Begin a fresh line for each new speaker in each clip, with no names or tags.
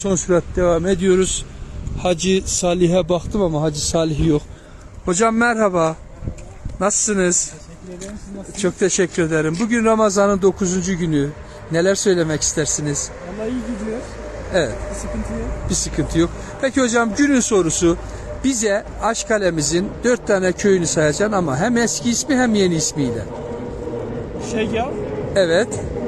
Son sürat devam ediyoruz. Hacı Salih'e baktım ama Hacı Salih yok. Hocam merhaba. Nasılsınız?
Teşekkür ederim. Siz nasılsınız?
Çok teşekkür ederim. Bugün Ramazan'ın 9. günü. Neler söylemek istersiniz?
Vallahi iyi gidiyor.
Evet.
Bir sıkıntı yok.
Bir sıkıntı yok. Peki hocam günün sorusu. Bize Aşkale'mizin 4 tane köyünü sayacaksın ama hem eski ismi hem yeni ismiyle.
Şegal,
Evet.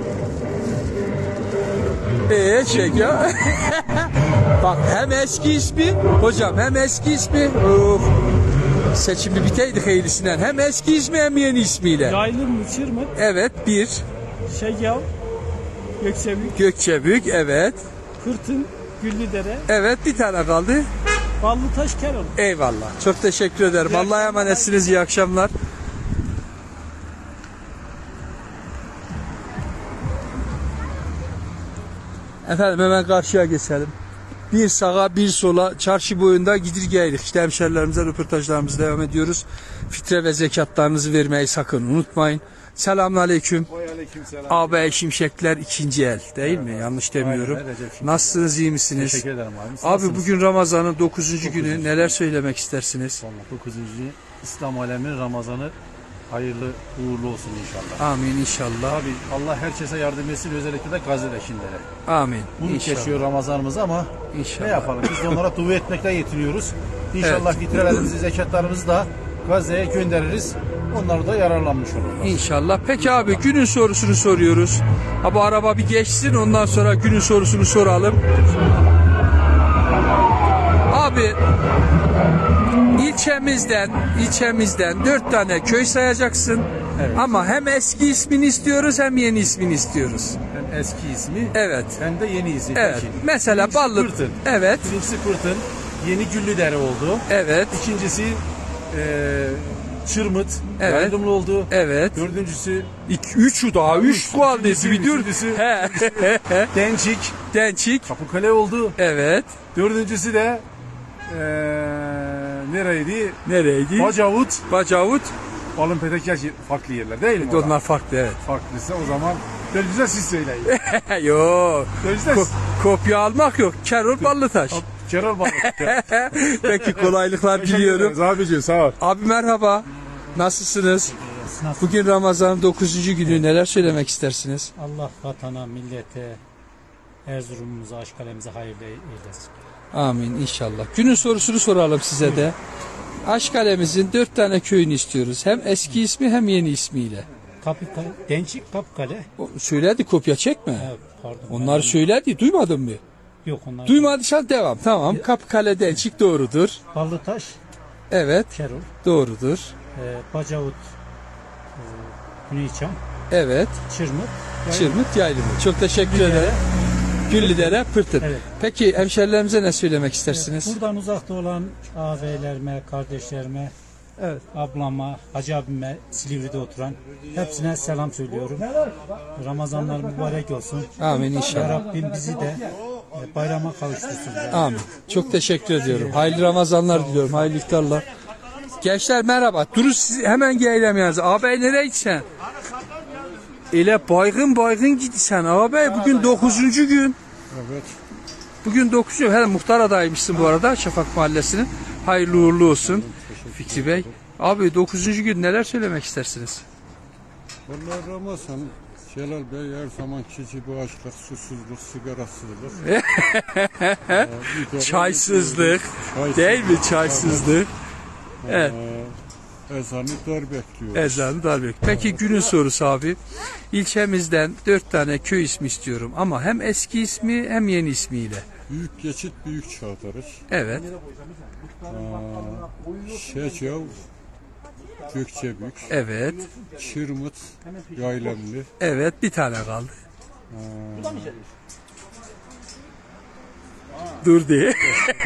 Şeker. Bak hem eski ismi hocam hem eski ismi. Of. Seçimi biteydi hayırlısından. Hem eski ismi hem yeni ismiyle.
Yaylım, Çırmık,
Evet bir.
Şegal, Gökçebük,
Gökçebük evet.
Kırtın, Güllüdere,
Evet bir tane kaldı.
Ballıtaş, Kerol.
Eyvallah. Çok teşekkür ederim. Allah'a emanetsiniz. İyi akşamlar. Efendim hemen karşıya geçelim. Bir sağa bir sola çarşı boyunda gidir geldik. İşte hemşerilerimize röportajlarımızı devam ediyoruz. Fitre ve zekatlarınızı vermeyi sakın unutmayın. Selamünaleyküm.
Aleykümselam.
Ağabey Şimşekler ikinci el değil mi? Yanlış demiyorum.
Aynen, Recep Şimşek.
Nasılsınız, iyi misiniz?
Teşekkür ederim abi. Siz
Abi
nasılsınız?
bugün Ramazan'ın 9. günü. Neler söylemek istersiniz?
Vallahi 9. İslam aleminin Ramazanı hayırlı uğurlu olsun inşallah.
Amin inşallah.
Tabii Allah herkese yardım etsin, özellikle de Gazze'dekilere.
Amin.
Bunu
İnşallah.
geçiyor Ramazanımız ama
İnşallah.
ne yapalım? Biz de onlara dua etmekle yetiniyoruz. İnşallah fitrelerimizi, zekatlarımızı da Gazze'ye göndeririz. Onlar da yararlanmış olurlar.
İnşallah. Peki abi günün sorusunu soruyoruz. Abi araba bir geçsin ondan sonra günün sorusunu soralım. Abi ilçemizden 4 tane köy sayacaksın.
Evet.
Ama hem eski ismini istiyoruz hem yeni ismini istiyoruz.
Hem eski ismi
Evet.
hem de yeni ismi.
Evet.
Peki.
Mesela
Birincisi
Ballı.
Pırtın.
Evet.
Birincisi Pırtın. Yeni Güllüdere oldu.
Evet.
İkincisi Çırmıt,
Evet.
Yaylımlı oldu.
Evet.
Dördüncüsü
3'ü daha 3 kaldı. Bir dur.
üçüncüsü
He.
Dençik,
Dençik.
Kapıkale oldu.
Evet.
Dördüncüsü de nereydi?
Nereydi?
Bacavut,
Bacavut.
Balın Petek farklı yerler değil mi?
Onlar farklı evet.
Farklıysa o zaman dördüncüsü siz söyleyin.
Yok.
Dördüncüsü
Kopya almak yok. Kerol Ballıtaş.
Kerol Balık.
Peki kolaylıklar diliyorum.
Abiciğim sağ ol.
Abi merhaba. Nasılsınız? Bugün Ramazan'ın 9. günü. Neler söylemek istersiniz?
Allah vatana, millete, Erzurum'umuza, Aşkale'mize hayırlı eylesin.
Amin inşallah. Günün sorusunu soralım size de. Aşkale'mizin 4 tane köyünü istiyoruz. Hem eski ismi hem yeni ismiyle.
Kapıkale, Dençik, Kapıkale.
Söyledi kopya çekme.
Evet, pardon.
Onları söyledi. Duymadın mı?
Yok onlar.
Duymadıysan devam. Tamam. Kapıkale'den çık doğrudur.
Ballıtaş,
Evet.
Kerol,
Doğrudur.
Bacavut, Güneyçam,
Evet.
Çırmık,
Çırmıt Yaylımı. Çok teşekkür ederim. Güllüdere Pırtın.
Evet.
Peki hemşerilerimize ne söylemek istersiniz?
Buradan uzakta olan ağabeylerime, kardeşlerime,
Evet.
ablama, hacı abime, Silivri'de oturan hepsine selam söylüyorum. Ramazanlar mübarek olsun.
Amin
Ya
inşallah.
Rabbim bizi de bayrama kavuştursun.
Amin. Çok teşekkür ediyorum. Hayırlı Ramazanlar diliyorum. Hayırlı iftarlar. Gençler merhaba. Durun siz hemen gelelim yalnız. Ağabey nereye gitsen? Ele baygın gitsen ağabey. Bugün 9. gün.
Evet.
Bugün 9. gün. Hele muhtar adaymışsın bu arada Şafak Mahallesi'nin. Hayırlı uğurlu olsun. Fikri Bey. Abi 9. gün neler söylemek istersiniz?
Vallahi Ramazan, Celal Bey her zamanki gibi açlık, susuzluk, sigarasızlık.
Çaysızlık. Değil mi çaysızlık? Evet.
Ezanı dar bekliyor.
Ezanı darbe. Peki günün sorusu abi. İlçemizden 4 tane köy ismi istiyorum ama hem eski ismi hem yeni ismiyle.
Büyük geçit, büyük çağdarış.
Evet.
Şecav, Gökçebük,
Evet.
Çırmıt, Yaylemli.
Evet bir tane kaldı. Dur diye.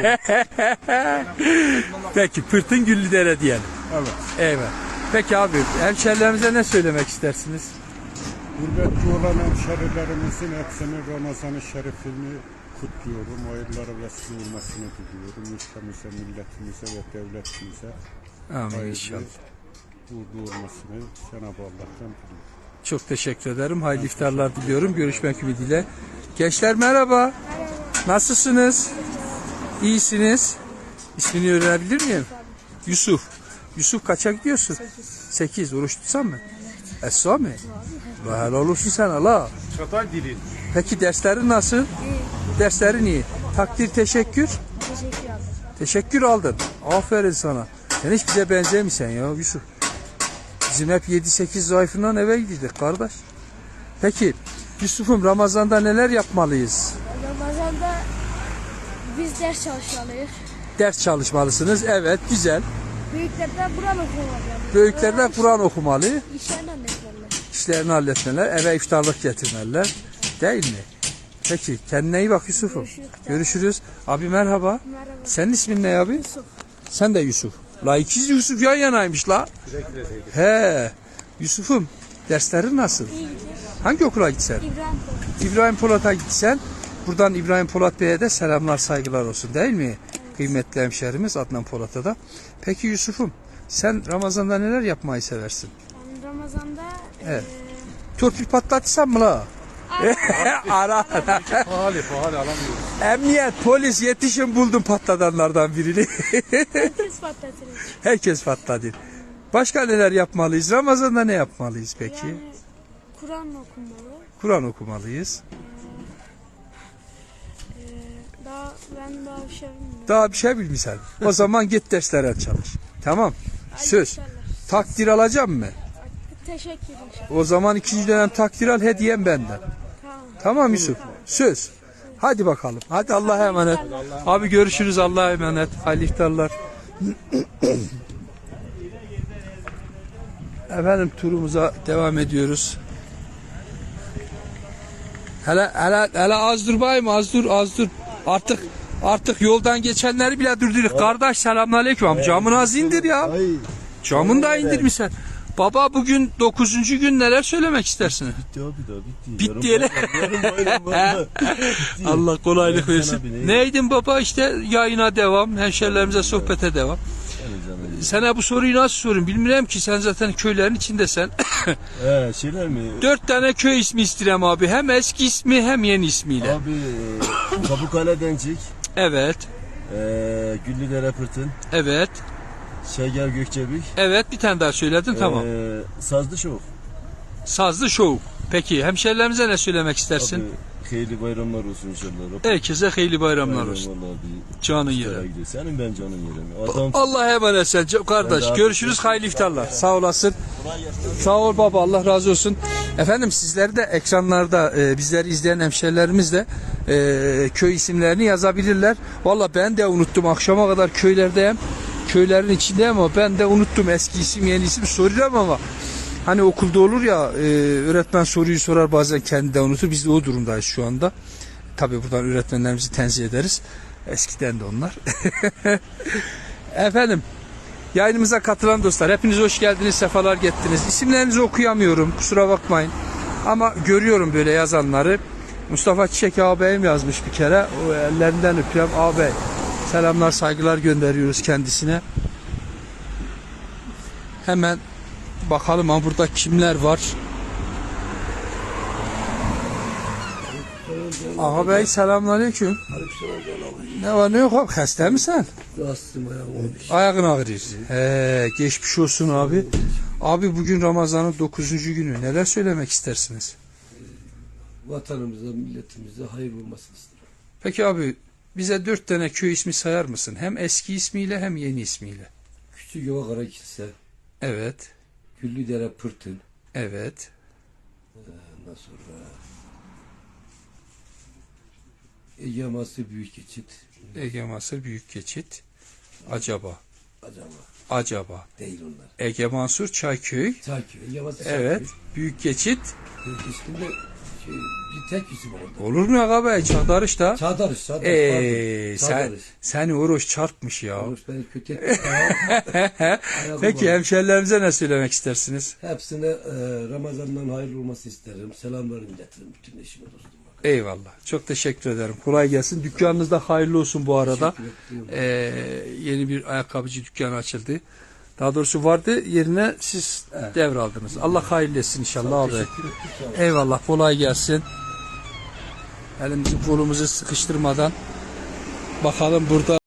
Peki Pırtın Güllüdere diyelim.
Evet.
Evet. Peki abi hemşerilerimize ne söylemek istersiniz?
Gurbetçi olan hemşerilerimizin hepsinin Ramazan-ı Şerifini kutluyorum. Hayırlara vesile olmasını diliyorum. Ülkemize, milletimize ve devletimize
Amin
hayırlı
inşallah.
uğurlu olmasını Cenab-ı Allah'tan diliyorum.
Çok teşekkür ederim. Hayırlı iftarlar diliyorum. Görüşmek ümidiyle. Gençler merhaba. Nasılsınız? İyisiniz. İsmini öğrenebilir miyim? Yusuf. Yusuf kaça gidiyorsun? 8. Oruç tutsan mı? Esra mı? Helal olsun sen Allah.
Çatal dili.
Peki derslerin nasıl? Derslerin iyi. Takdir, teşekkür.
Teşekkür ederim.
Teşekkür aldın. Aferin sana. Sen hiç bize benzemiyorsun ya Yusuf. Bizim hep 7-8 zayıfından eve gidiyorduk kardeş. Peki Yusuf'um Ramazan'da neler yapmalıyız?
Ramazan'da biz ders çalışmalıyız.
Ders çalışmalısınız. Evet, güzel.
Büyüklerden Kur'an okumalı.
Büyüklerden Kur'an okumalı.
İşlerini halletmeliler.
İşlerini halletmeler. Eve iftarlık getirmeler. Değil mi? Peki kendine iyi bak Yusuf'um. Görüşürüz. Abi merhaba.
Merhaba.
Senin ismin ne abi? Sen de Yusuf. La ikiz Yusuf yan yanaymış la. He. Yusuf'um derslerin nasıl?
İyi gidiyor.
Hangi okula gitsen?
İbrahim Bey.
İbrahim Polat'a gitsen. Buradan İbrahim Polat Bey'e de selamlar saygılar olsun değil mi? Kıymetli hemşerimiz Adnan Polat'a da. Peki Yusuf'um sen Ramazan'da neler yapmayı seversin?
Ben Ramazan'da
Evet. Torpil patlatırsan mı la? Ara.
Pahalı alamıyoruz.
Emniyet, polis yetişin buldum patladanlardan birini.
herkes patlatır.
Herkes patladı. Başka neler yapmalıyız? Ramazan'da ne yapmalıyız peki?
Yani Kur'an okumalı.
Kur'an okumalıyız.
Ben daha bir şey bilmiyorum.
Daha bir şey bilmiyorsan. O zaman git derslere çalış. Tamam. Söz.
İnşallah.
Takdir alacağım mı?
Teşekkür ederim.
O zaman ikinci dönem takdir al, hediyem benden.
Tamam.
Tamam Yusuf. Söz. Hadi bakalım. Hadi Allah'a emanet. Abi görüşürüz. Allah'a emanet. Hayırlı iftarlar. Efendim turumuza devam ediyoruz. Hele az dur bayım, az dur. Artık yoldan geçenleri bile durduruk. Kardeş selamünaleyküm. Abi camını az indir ya. Camını da indirmişsin. Baba bugün 9. gün neler söylemek istersin?
Bitti abi daha bitti.
Bitti hele. Allah kolaylık versin. Neydin baba işte yayına devam, hemşerilerimize sohbete devam. Sana bu soruyu nasıl sorayım bilmiyorum ki sen zaten köylerin içindesen.
Şeyler mi?
4 tane köy ismi istirem abi. Hem eski ismi hem yeni ismiyle.
Abi Pamukkale Dencik,
Evet.
Güllüdere Pırtın,
Evet.
Şeger Gökçebik,
Evet bir tane daha söyledin tamam.
Sazlı Şov.
Sazlı Show. Peki hemşerilerimize ne söylemek istersin?
Abi hayırlı bayramlar olsun inşallah.
Herkese hayırlı bayramlar olsun.
Vallahi bir
Canın
iftara
yere.
gidiyor. Senin ben canın yerim. Adam
Allah'a emanet sen kardeş.
Ben de
Görüşürüz. Hayırlı iftarlar. Sağ olasın. Sağ ol baba. Allah razı olsun. Efendim sizler de ekranlarda bizleri izleyen hemşerilerimiz de köy isimlerini yazabilirler. Valla ben de unuttum. Akşama kadar köylerdeyim. Köylerin içindeyim ama ben de unuttum. Eski isim yeni isim soruyorum ama hani okulda olur ya öğretmen soruyu sorar bazen kendi de unutur. Biz de o durumdayız şu anda. Tabii buradan öğretmenlerimizi tenzih ederiz. Eskiden de onlar. Efendim yayınımıza katılan dostlar hepiniz hoş geldiniz, sefalar getirdiniz. İsimlerinizi okuyamıyorum kusura bakmayın. Ama görüyorum böyle yazanları. Mustafa Çiçek ağabeyim yazmış bir kere. O ellerinden öpüyorum ağabey. Selamlar saygılar gönderiyoruz kendisine. Hemen bakalım ha burada kimler var. Ağabey selamünaleyküm. Ne var ne yok abi hasta mısın? Ayağın ağrıyor. Geçmiş olsun abi. Abi bugün Ramazan'ın 9. günü. Neler söylemek istersiniz?
Vatanımıza, milletimize hayır olmasını isterim.
Peki abi bize 4 tane köy ismi sayar mısın? Hem eski ismiyle hem yeni ismiyle.
Küçükova Karakilse,
Evet.
Güllüdere Pırtın,
Evet.
ondan sonra Ege Masır Büyükgeçit,
Ege Mansur Büyük Geçit. Acaba.
acaba değil onlar.
Ege Mansur Çayköy.
Çayköy, Ege Masır
Evet.
Çayköy.
Büyük Geçit.
İsminde bir tek isim orada.
Olur mu ağabey? Çağdarış da.
Çağdarış.
Sen
Çağdarış.
seni oruç çarpmış ya.
Oruç beni kötü etti.
Peki hemşerilerimize ne söylemek istersiniz?
Hepsine Ramazan'dan hayırlı olması isterim. Selamlarımı iletirim bütün eşime dostuma.
Eyvallah. Çok teşekkür ederim. Kolay gelsin. Dükkanınız da hayırlı olsun bu arada.
Teşekkür ederim.
Yeni bir ayakkabıcı dükkanı açıldı. Daha doğrusu vardı. Yerine siz devraldınız. Allah hayırlı etsin inşallah abi. Eyvallah. Kolay gelsin. Elimizi kolumuzu sıkıştırmadan bakalım burada